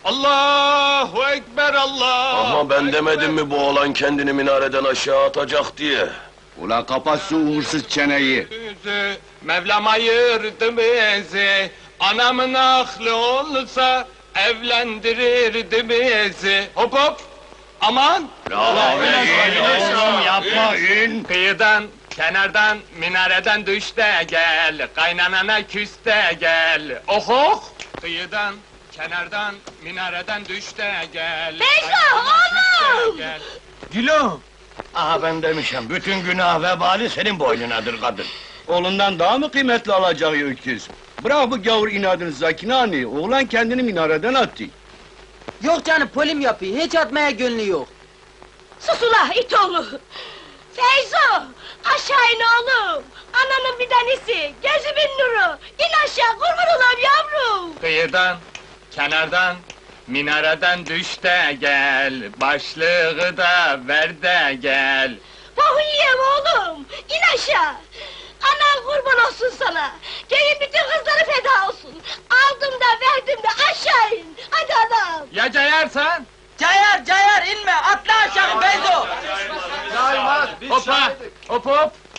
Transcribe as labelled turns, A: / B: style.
A: Allahu Ekber Allah!
B: Ama ben demedim mi bu oğlan kendini minareden aşağı atacak diye?
C: Ulan kapat şu uğursuz çeneyi!
A: Yüzü, Mevlam ayırdı bizi, anamın aklı olsa evlendirirdi bizi. Hop hop! Aman!
C: Oğlum yapma in!
A: Kıyıdan, kenardan, minareden düş de gel, kaynanana küs de gel. Oh oh! Kıyıdan, kenardan, minareden düş de gel.
D: Beyza,
A: kaynanana küs de
D: oğlum!
A: gel.
C: Gülüm! Aha ben demişim, bütün günah vebali senin boynunadır kadın. Oğlundan daha mı kıymetli alacağı öküz? Bırak bu gavur inadını Zakine anne, oğlan kendini minareden attı.
E: Yok canım, polim yapıyor, hiç atmaya gönlü yok.
D: Sus ula it oğlu! Feyzo! Aşağı in oğlum! Ananın bir tanesi, gözümün nuru! İn aşağı, kurban olam yavrum!
A: Kıyıdan, kenardan, minareden düş de gel, başlığı da ver de gel.
D: Bohu yiyem oğlum! İn aşağı! Anan kurban olsun sana! Köyün bütün kızları feda olsun! Aldım da verdim de aşağı in! Hadi anam!
A: Ya cayarsan?
E: Cayar, inme, atla aşağı Beyzo!
A: Hoppa, hop hop!